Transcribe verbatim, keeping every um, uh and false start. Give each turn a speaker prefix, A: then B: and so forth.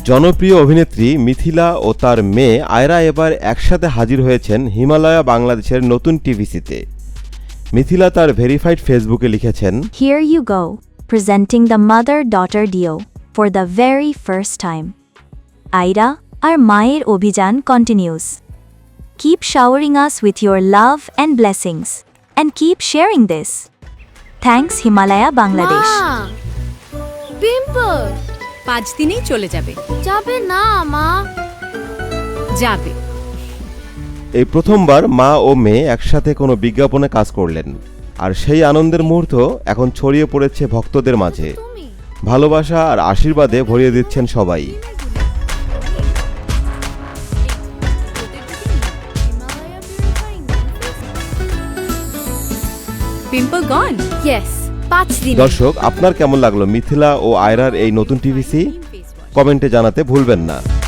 A: জনপ্রিয় অভিনেত্রী মিথিলা ও তার মেয়ে আয়রা এবার একসাথে হাজির হয়েছেন হিমালয়া বাংলাদেশের নতুন টিভিসিতে। মিথিলা তার ভেরিফাইড ফেসবুকে লিখেছেন,
B: Here you go, presenting the mother-daughter duo for the very first time. Aira, our মায়ের অভিযান continues. Keep showering us with your love and blessings, and keep sharing this. Thanks Himalaya Bangladesh.
C: মা, pimple
D: পাঁচ দিনেই চলে যাবে।
C: যাবে না মা।
D: যাবে।
A: এই প্রথমবার মা ও মেয়ে একসাথে কোনো বিজ্ঞাপনে কাজ করলেন, আর সেই আনন্দের মুহূর্ত এখন ছড়িয়ে পড়েছে ভক্তদের মাঝে। ভালোবাসা আর আশীর্বাদে ভরিয়ে দিচ্ছেন সবাই।
D: পিম্পল গন?
C: ইয়েস, পাঁচ দিন।
A: দর্শক, আপনার কেমন লাগলো মিথিলা ও আয়রার এই নতুন টিভিসি? কমেন্টে জানাতে ভুলবেন না।